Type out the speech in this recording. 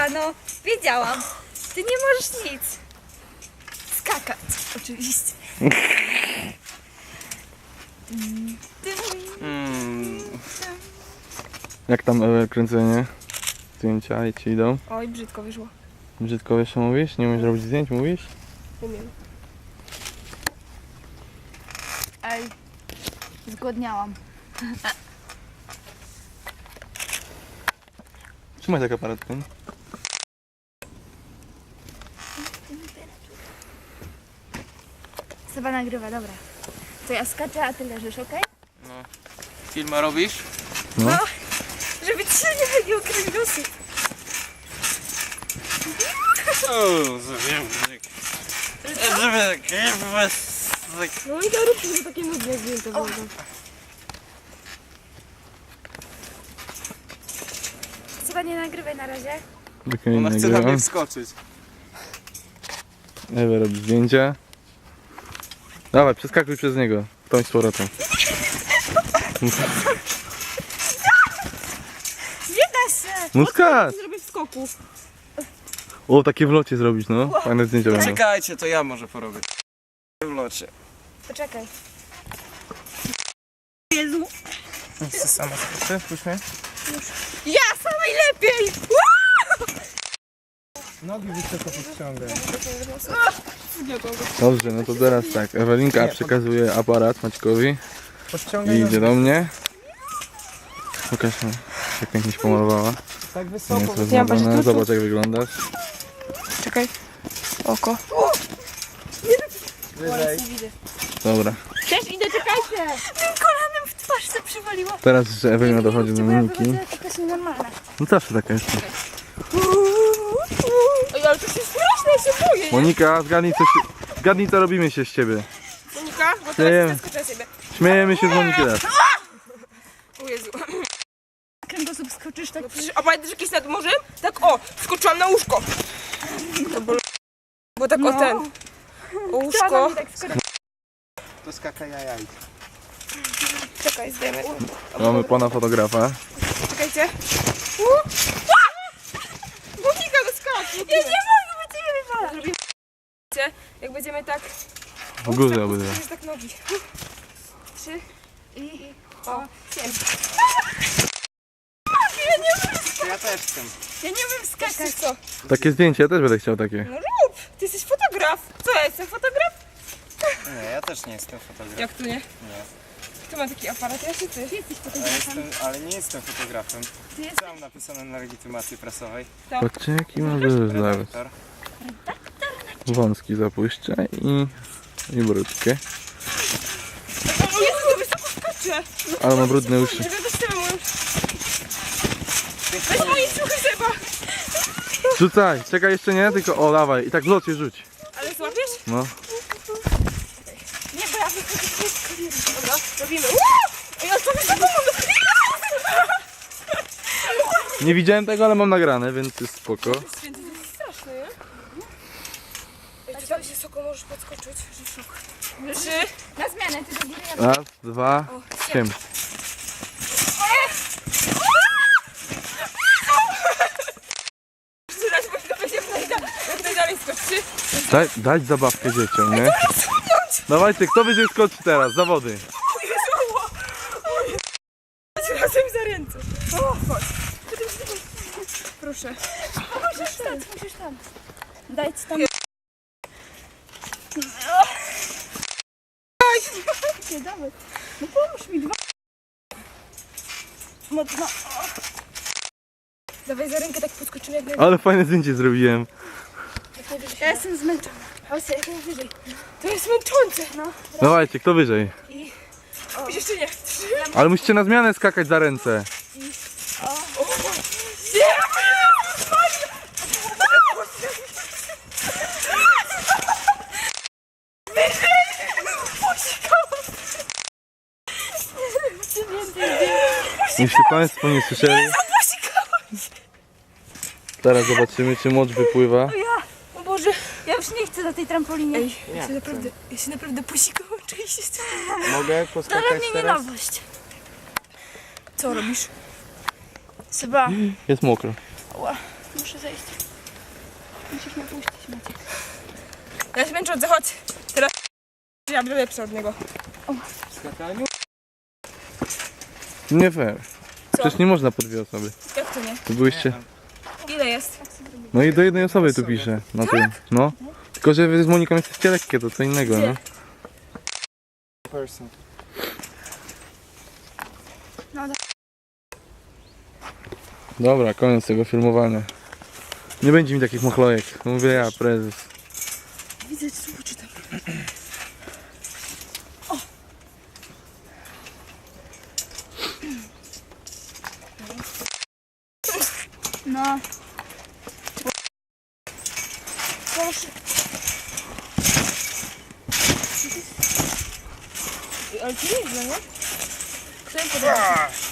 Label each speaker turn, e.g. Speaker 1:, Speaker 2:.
Speaker 1: no. Wiedziałam. Ty nie możesz nic. Skakać, oczywiście.
Speaker 2: Jak tam kręcenie? Zdjęcia i ci idą?
Speaker 1: Oj, brzydko wyszło.
Speaker 2: Brzydko jeszcze mówisz? Nie umiesz robić zdjęć, mówisz?
Speaker 1: Umiem. Ej, zgłodniałam.
Speaker 2: Trzymaj tak aparat ten.
Speaker 1: Seba nagrywa, dobra. To ja skaczę, a ty leżysz, okej?
Speaker 3: No. Filma robisz?
Speaker 2: No.
Speaker 1: Żeby ci się nie wygiął kręgosłup.
Speaker 3: O, zawiemnik.
Speaker 1: No i to rób, że takie nudne zdjęcia będą. Seba, nie nagrywaj na razie.
Speaker 3: Ona chce na mnie wskoczyć.
Speaker 2: Ewa robi zdjęcia. Dawaj, przeskakuj przez niego. Tą z powrotem.
Speaker 1: Nie da się!
Speaker 2: No skacz!
Speaker 1: Zrobię w skoku.
Speaker 2: O, takie w locie zrobić, no. Fajne zdjęcia będą.
Speaker 3: Czekajcie, to ja może porobię. W locie.
Speaker 1: Poczekaj. Jezu!
Speaker 3: Chcę sama skoczę, puść mnie.
Speaker 1: Ja samej lepiej!
Speaker 3: Nogi wysoko podciągaj.
Speaker 2: Dobrze, no to teraz tak. Ewelinka przekazuje aparat Maćkowi i
Speaker 3: Podciągaj
Speaker 2: idzie do mnie. Pokaż mi, jak pięknie się pomalowała.
Speaker 3: tak
Speaker 2: Nie
Speaker 3: wysoko.
Speaker 2: jest rozmawiane. Zobacz, jak wyglądasz.
Speaker 1: Czekaj. Oko.
Speaker 3: Wyżej.
Speaker 2: Dobra.
Speaker 1: Też idę, czekajcie! Tym kolanem w twarz se przywaliło.
Speaker 2: Teraz jeszcze Ewelina dochodzi do Moniki.
Speaker 1: To jest nienormalne.
Speaker 2: No zawsze taka jest.
Speaker 1: Oj, ale to się straszne, ja się boję.
Speaker 2: Monika, zgadnij co robimy się z ciebie.
Speaker 1: Monika, bo
Speaker 2: Śmiejemy.
Speaker 1: teraz zaskoczę siebie.
Speaker 2: Śmiejemy się z Moniki teraz.
Speaker 1: O Jezu. Kręgosłup skoczysz tak. No przecież, a pamiętasz jakieś nad morzem? Tak o, skoczyłam na łóżko. To bo tak o ten. O łóżko.
Speaker 3: To skaka jajaj.
Speaker 1: Czekaj, zdejmę.
Speaker 2: Mamy pana fotografa.
Speaker 1: Czekajcie. Monika, no skacz. Ja nie mogę, bo ciebie wywala. Zrobimy jak będziemy tak.
Speaker 2: W górze obydwa.
Speaker 1: Zrobisz tak nogi. 3 i o 7.
Speaker 3: Ja też chcę.
Speaker 1: Ja nie umiem skakać. Co?
Speaker 2: Takie zdjęcie, ja też będę chciał takie.
Speaker 1: No rób! Ty jesteś fotograf. Co ja jestem fotograf?
Speaker 3: Nie, ja też nie jestem fotografem.
Speaker 1: Jak tu nie?
Speaker 3: Nie.
Speaker 1: Kto ma taki aparat? Ja czy ty? Ty jesteś
Speaker 3: Ale nie jestem fotografem.
Speaker 1: Ty jesteś
Speaker 3: Mam napisane na legitymacji prasowej.
Speaker 2: Patrzcie, jaki ma zaraz.
Speaker 3: Redaktor.
Speaker 2: Wąski zapuszczę i brudkie.
Speaker 1: O Jezu, to wysoko skacze!
Speaker 2: Ale ma brudne uszy.
Speaker 1: Żeby to trzeba już. Weź moje ciuchy, Seba!
Speaker 2: Rzucaj, czekaj jeszcze nie, tylko o dawaj i tak w locie rzuć.
Speaker 1: Ale złapiesz?
Speaker 2: No.
Speaker 1: Nie, bo ja wychodzę. Dobra, robimy. Ej, ale to wysoko mam.
Speaker 2: Nie widziałem tego, ale mam nagrane, więc jest spoko.
Speaker 1: Święty, to jest straszne, nie? Ej, ty tam wysoko możesz podskoczyć. 3. Na zmianę, ty do góry.
Speaker 2: Raz, dwa, 8.
Speaker 1: Raz, bo to będzie jak najdalej skoczy.
Speaker 2: Dać zabawkę dzieciom, nie? Dawajcie, kto wyżej skoczy teraz? Zawody.
Speaker 1: O Jezu! O Jezu! Chodź razem za ręce. O, chodź. Proszę. Musisz tam. Daj ci tam. Nie, dawaj. No pomóż mi dwa. Mocno. Dawaj za rękę, tak podskoczymy jak najwyżej.
Speaker 2: Ale fajne zdjęcie zrobiłem.
Speaker 1: Ja jestem zmęczona. Chodź, jak najwyżej. To jest męczące. No.
Speaker 2: Dawajcie, kto wyżej?
Speaker 1: Jeszcze nie. 3.
Speaker 2: Ale musicie na zmianę skakać za ręce. Jeśli Państwo nie słyszeli, teraz zobaczymy, czy mocz wypływa.
Speaker 1: O Boże, ja już nie chcę na tej trampolinie. Ej, ja się naprawdę posikałam oczywiście.
Speaker 3: Mogę
Speaker 1: To
Speaker 3: poskakać
Speaker 1: dla mnie nie
Speaker 3: teraz?
Speaker 1: nowość. Co robisz? Seba.
Speaker 2: Jest mokro.
Speaker 4: Muszę zejść. Musisz mnie puścić, Maciek.
Speaker 1: Ja się męczę od zachodź. Teraz ja będę lepsza od niego.
Speaker 3: Skakaniu?
Speaker 2: Nie fair.
Speaker 1: Co?
Speaker 2: Przecież nie można po dwie osoby.
Speaker 1: Jak to nie?
Speaker 2: To byłyście...
Speaker 1: Ile jest?
Speaker 2: No i do jednej osoby tu pisze. Na tym. No. Tylko, że wy z Moniką jesteście lekkie, to co innego,
Speaker 1: Gdzie?
Speaker 2: nie?
Speaker 3: Person.
Speaker 2: Dobra, koniec tego filmowania. Nie będzie mi takich machlojek. Mówię ja, prezes.
Speaker 1: Widzę, co czytam.
Speaker 4: No.
Speaker 1: Proszę. Ale to nie jest, nie? Kto mi podoba?